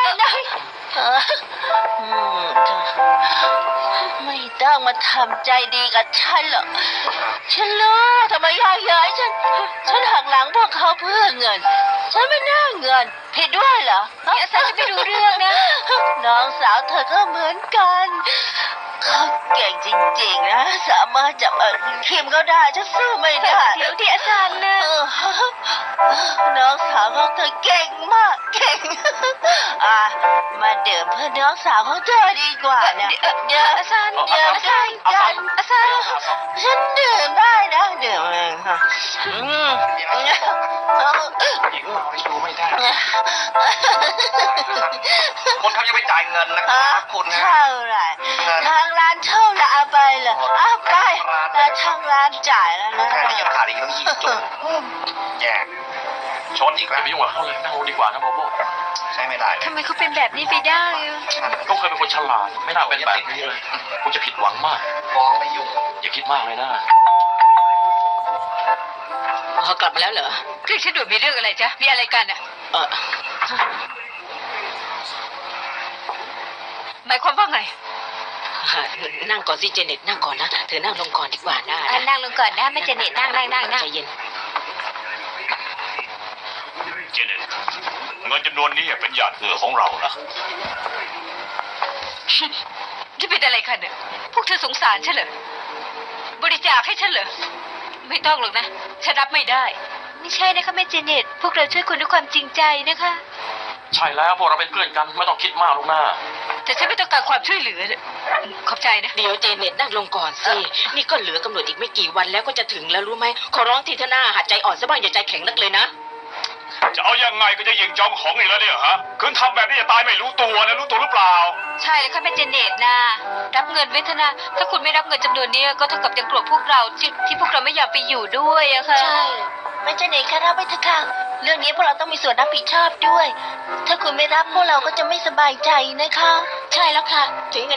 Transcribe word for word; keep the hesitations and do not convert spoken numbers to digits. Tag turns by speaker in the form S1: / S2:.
S1: นะไม่ต้องมาทำใจดีกับฉันหรอกฉันรู้ทำไมยายย้ายฉันฉันหักหลังพวกเขาเพื่อเงินฉันไม่น่าเงินผิดด้วยเหรออาซาจะไม่รู้เรื่องนะน้องสาวเธอก็เหมือนกันเขาเก่งจริงๆนะสามารถจับคิมเขาได้ฉันสู้ไม่ได้เดี๋ยวที่อาจารย์นะน้องสาวของเธอเก่งมากเก่งอ่ะมาดื่มเพื่อน้องสาวของเธอดีกว่านะเดี๋ยวอาจารย์เดี๋ยวอาจารย์อาจารย์อาจารย์ฉันดื่มได้นะดื่มอืม
S2: หญิงเราดูไม่ได้คนเขาจะไปจ่ายเงินนะครับคุณนะ
S1: เท่าไหร่ทางร้านเท่าไหร่เอาไปเลยเอาไปแต่ทางร้านจ่ายแล้วนะ
S2: แค่นี้ยังขาดอีกต้องยี่สิบจุดแย่ชนอีก
S3: อย่า
S2: แล้ว
S3: ไปยุ่งกับเขาเลยนั่งลงดีกว่านะโบโบ
S2: ใช้ไม่ได้เลย
S1: ทำไมเขาเป็นแบบนี้ไปได้อะ
S3: ก็เคยเป็นคนฉลาดไม่น่าเป็นแบบนี้เลยคงจะผิดหวังมาก
S2: ฟ้องไม่ยุ่ง
S3: อย่าคิดมากเลยนะ
S1: เขากลับมาแล้วเหรอ
S4: เรียกฉันด่วนมีเรื่องอะไรจ๊ะมีอะไรกันอ่ะ
S1: เออ
S4: หมายความว่าไง
S1: นั่งก่อนสิเจเน็ตนั่งก่อนนะเธอนั่งลงก่อนดีกว่านะ
S4: นั่งลงก่อนนะไม่เจเน็ตนั่งนั่งนั่งนั่ง
S1: ใจเย็น
S3: เจเน็ตเงินจำนวนนี้เป็นหยาดเหงื่อของเรานะ
S4: จะเป็นอะไรกันเนี่ยพวกเธอสงสารฉันเหรอ บริจาคให้ฉันเหรอ ไม่ต้องหรอกนะ ฉันรับไม่ได้ ไม่ใช่นะคะแม่เจเน็ตพวกเราช่วยคุณด้วยความจริงใจนะคะ
S3: ใช่แล้วพวกเราเป็นเพื่อนกันไม่ต้องคิดมากลูกหน้า
S4: แต่ฉันไม่ต้องการความช่วยเหลือเนี่ยขอบใจนะ
S1: เดี๋ยวเจเน็ตนั่งลงก่อนสินี่ก็เหลือกำหนดอีกไม่กี่วันแล้วก็จะถึงแล้วรู้ไหมขอร้องทีเถอะหน้าหัดใจอ่อนซะบ้างอย่าใจแข็งนักเลยนะ
S3: จะเอายังไงก็จะยิงจองของอีกแล้วเนี่ยฮะคืนทำแบบนี้จะตายไม่รู้ตัวนะรู้ตัวหรือเปล่า
S4: ใช่แล้วค่ะแม่เจเน็ตนะรับเงินไว้เถอะนะถ้าคุณไม่รับเงินจำนวนนี้ก็เท่ากับยังโกรธพวกเราที่ที่พวกเราไม่อยากไปอยู่ด้วยอะค่ะ
S1: ใช่ไม่เจเน็ตค่ะรับไปเถอะค่ะเรื่องนี้พวกเราต้องมีส่วนรับผิดชอบด้วย ถ้าคุณไม่รับพวกเราก็จะไม่สบายใจนะคะ ใช่แล้วค่ะถึงยังไง